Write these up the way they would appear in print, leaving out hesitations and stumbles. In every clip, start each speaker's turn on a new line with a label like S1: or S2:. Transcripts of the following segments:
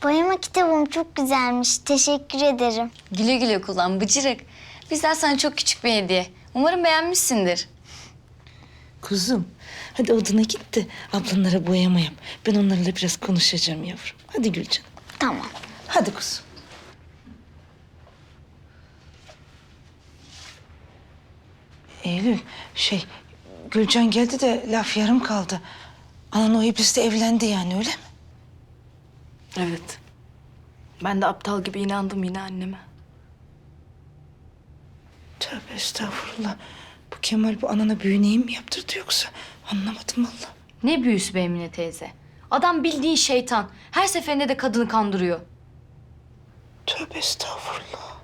S1: Boyama kitabım çok güzelmiş. Teşekkür ederim.
S2: Güle güle kullan bıcırık. Bizden sana çok küçük bir hediye. Umarım beğenmişsindir.
S3: Kuzum, hadi odana git de ablanlara boyama yap. Ben onlarla biraz konuşacağım yavrum. Hadi Gülcan.
S1: Tamam.
S3: Hadi kuzum. Eylül, Gülcan geldi de laf yarım kaldı. Anan o iblisle evlendi yani, öyle mi?
S4: Evet. Ben de aptal gibi inandım yine anneme.
S3: Tövbe estağfurullah. Bu Kemal bu anana büyüneyi mi yaptırdı yoksa? Anlamadım vallahi.
S2: Ne büyüsü be Emine teyze. Adam bildiğin şeytan. Her seferinde de kadını kandırıyor.
S3: Tövbe estağfurullah.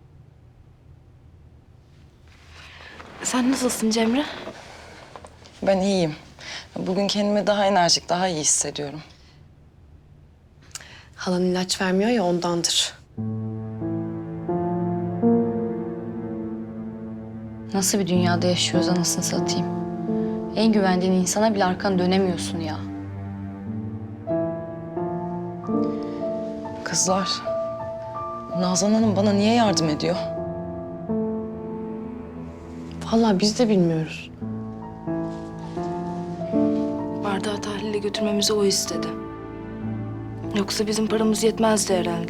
S4: Sen nasılsın Cemre?
S5: Ben iyiyim. Bugün kendimi daha enerjik, daha iyi hissediyorum.
S6: Halan ilaç vermiyor ya ondandır.
S2: Nasıl bir dünyada yaşıyoruz anasını satayım. En güvendiğin insana bile arkanı dönemiyorsun ya.
S5: Kızlar, Nazan Hanım bana niye yardım ediyor?
S6: Vallahi biz de bilmiyoruz.
S4: Bardağı tahlile götürmemizi o istedi. Yoksa bizim paramız yetmezdi herhalde.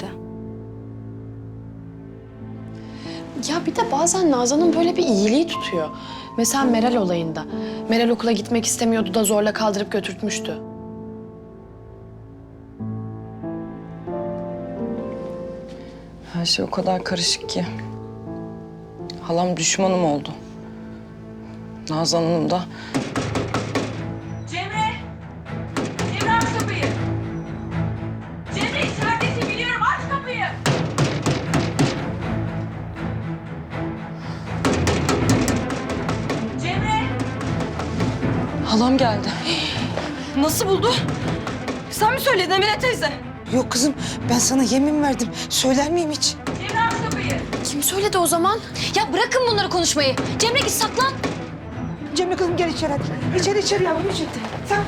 S6: Ya bir de bazen Nazan'ın böyle bir iyiliği tutuyor. Mesela Meral olayında. Meral okula gitmek istemiyordu da zorla kaldırıp götürtmüştü.
S5: Her şey o kadar karışık ki. Halam düşmanım oldu. Nazan Hanım da
S7: Cemre! Cemre aç kapıyı! Cemre içeridesin biliyorum, aç kapıyı! Cemre!
S5: halam geldi.
S7: Nasıl buldu? Sen mi söyledin Emine teyze?
S3: Yok kızım, ben sana yemin verdim. Söyler miyim hiç?
S7: Cemre aç kapıyı!
S6: Kim söyledi o zaman?
S2: Ya bırakın bunları konuşmayı. Cemre git saklan.
S3: Cemre kızım gel içeri hadi. İçeri yavrum içeri. Sen...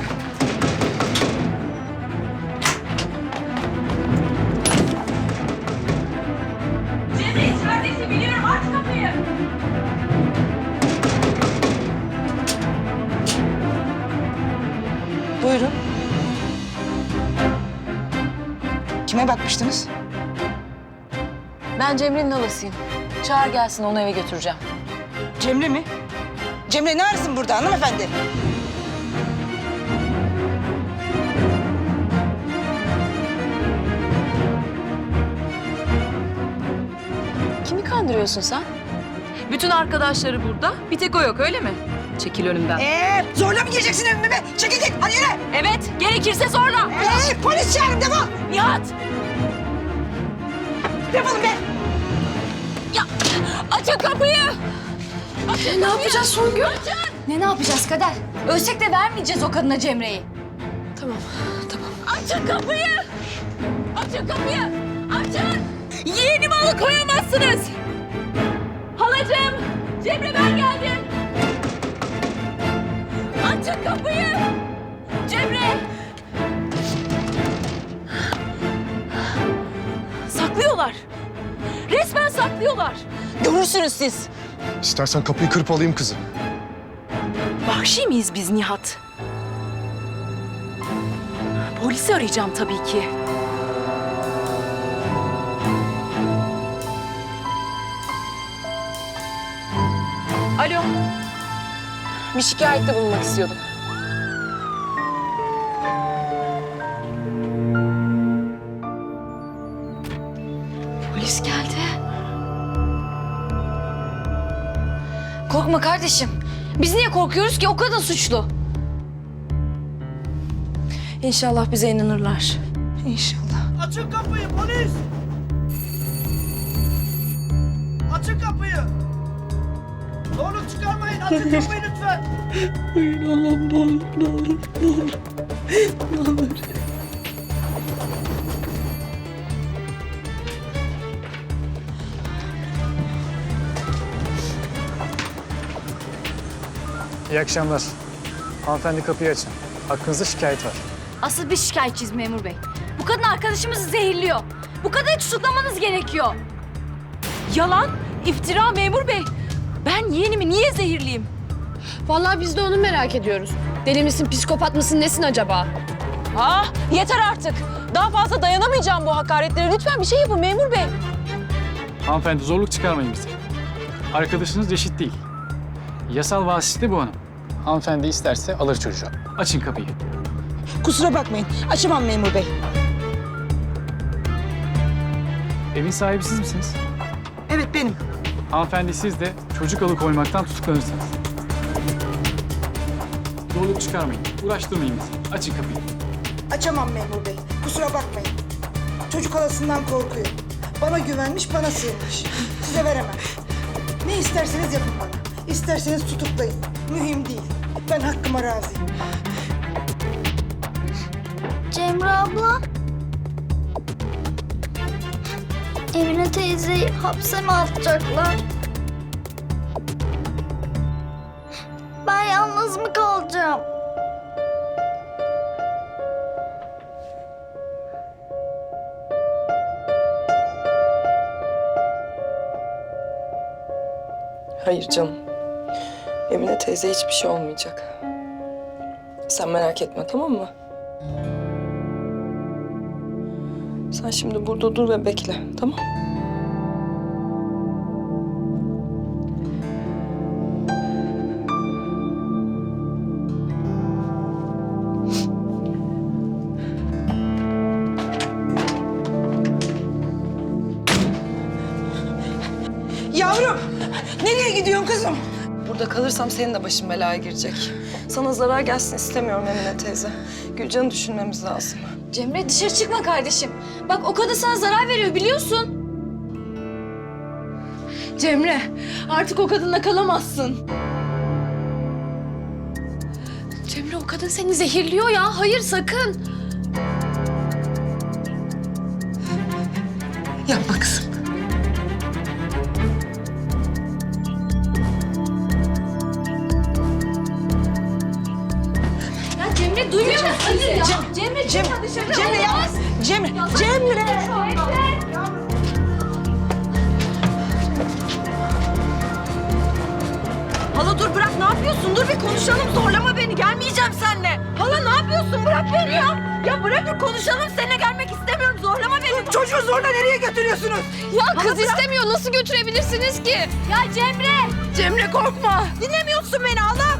S7: Cemre içeridesin biliyorum, aç kapıyı!
S3: Buyurun. Kime bakmıştınız?
S5: Ben Cemre'nin halasıyım. Çağır gelsin, onu eve götüreceğim.
S3: Cemre mi? Cemre ne arasın burada hanımefendi?
S5: Kimi kandırıyorsun sen?
S7: Bütün arkadaşları burada, bir tek o yok öyle mi? Çekil önümden.
S3: Zorla mı gireceksin evime be? Çekil git, hadi yürü.
S7: Evet, gerekirse zorla!
S3: Polis çağırın, defol.
S7: Nihat!
S3: Defolun be.
S7: Açın kapıyı!
S6: Ne yapacağız Songül?
S2: Ne yapacağız Kader? Ölsek de vermeyeceğiz o kadına Cemre'yi.
S6: Tamam, tamam.
S7: Açın kapıyı! Açın kapıyı! Açın! Yeğenimi alıkoyamazsınız! Halacığım! Cemre ben geldim! Açın kapıyı! Cemre! Saklıyorlar! Resmen saklıyorlar!
S5: Görürsünüz siz.
S8: İstersen kapıyı kırıp alayım kızı.
S7: Vahşi miyiz biz Nihat? Polisi arayacağım tabii ki. Alo.
S6: Bir şikayette bulunmak istiyordum.
S2: Polis geldi. Korkma kardeşim. Biz niye korkuyoruz ki? O kadın suçlu.
S4: İnşallah bize inanırlar.
S3: İnşallah.
S9: Açın kapıyı polis! Açın kapıyı! Zorluk çıkarmayın, açın kapıyı lütfen!
S3: Hayır Allah'ım ne olur, ne olur, ne olur. Ne olur.
S10: İyi akşamlar. Hanımefendi kapıyı açın. Hakkınızda şikayet var.
S2: Asıl biz şikayetçiyiz memur bey. Bu kadın arkadaşımızı zehirliyor. Bu kadını tutuklamanız gerekiyor.
S7: Yalan, iftira memur bey. Ben yeğenimi niye zehirleyeyim?
S6: Vallahi biz de onu merak ediyoruz. Deli misin, psikopat mısın, nesin acaba?
S7: Ah, yeter artık. Daha fazla dayanamayacağım bu hakaretlere. Lütfen bir şey yapın memur bey.
S10: Hanımefendi zorluk çıkarmayın bize. Arkadaşınız reşit değil. Yasal vasıta bu hanım. Hanımefendi isterse alır çocuğu. Açın kapıyı.
S3: Kusura bakmayın. Açamam memur bey.
S10: Evin sahibi siz misiniz?
S3: Evet benim.
S10: Hanımefendi siz de çocuk alıkoymaktan tutuklanırsınız. Zorluk çıkarmayın. Uğraştırmayın bizi. Açın kapıyı.
S3: Açamam memur bey. Kusura bakmayın. Çocuk halasından korkuyor. Bana güvenmiş, bana sığınmış. Size veremem. Ne isterseniz yapın bana. İsterseniz tutuklayın. Mühim değil. Ben hakkıma razıyım.
S1: Cemre abla. Emine teyzeyi hapse mi atacaklar? Ben yalnız mı kalacağım?
S5: Hayır canım. Emine teyze hiçbir şey olmayacak. Sen merak etme, tamam mı? Sen şimdi burada dur ve bekle, tamam?
S3: Yavrum! Nereye gidiyorsun kızım?
S5: Burada kalırsam senin de başın belaya girecek. Sana zarar gelsin istemiyorum Emine teyze. Gülcan'ı düşünmemiz lazım.
S2: Cemre dışarı çıkma kardeşim. Bak o kadın sana zarar veriyor biliyorsun.
S4: Cemre, artık o kadınla kalamazsın.
S6: Cemre o kadın seni zehirliyor ya. Hayır sakın.
S3: Yapma kızım.
S2: Ya Cemre duymuyor musun? Hayır ya. Cemre çıkma dışarı.
S3: Cemre yapma. Cemre!
S7: Hala dur bırak, ne yapıyorsun? Dur bir konuşalım, zorlama beni. Gelmeyeceğim seninle. Hala ne yapıyorsun? Bırak beni ya. Ya bırakın konuşalım, seninle gelmek istemiyorum. Zorlama beni.
S3: Çocuğu zorla nereye götürüyorsunuz?
S6: Ya kız istemiyor. Nasıl götürebilirsiniz ki?
S2: Ya Cemre.
S7: Cemre korkma. Dinlemiyorsun beni hala.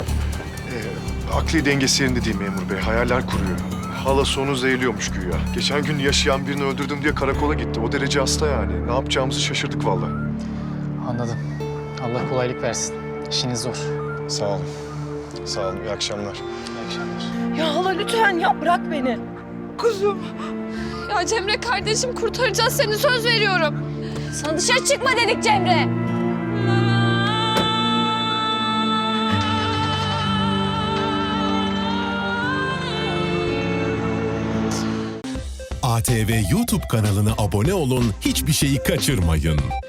S8: Akli dengesi yerinde değil memur bey. Hayaller kuruyor. Halası onu zehirliyormuş güya. Geçen gün yaşayan birini öldürdüm diye karakola gitti. O derece hasta yani. Ne yapacağımızı şaşırdık vallahi.
S10: Anladım. Allah kolaylık versin. İşiniz zor.
S8: Sağ olun. Sağ olun. İyi akşamlar.
S10: İyi akşamlar.
S7: Ya hala lütfen ya, bırak beni.
S3: Kuzum.
S6: Ya Cemre kardeşim kurtaracağız seni, söz veriyorum.
S2: Sana dışarı çıkma dedik Cemre.
S11: ATV YouTube kanalına abone olun, hiçbir şeyi kaçırmayın.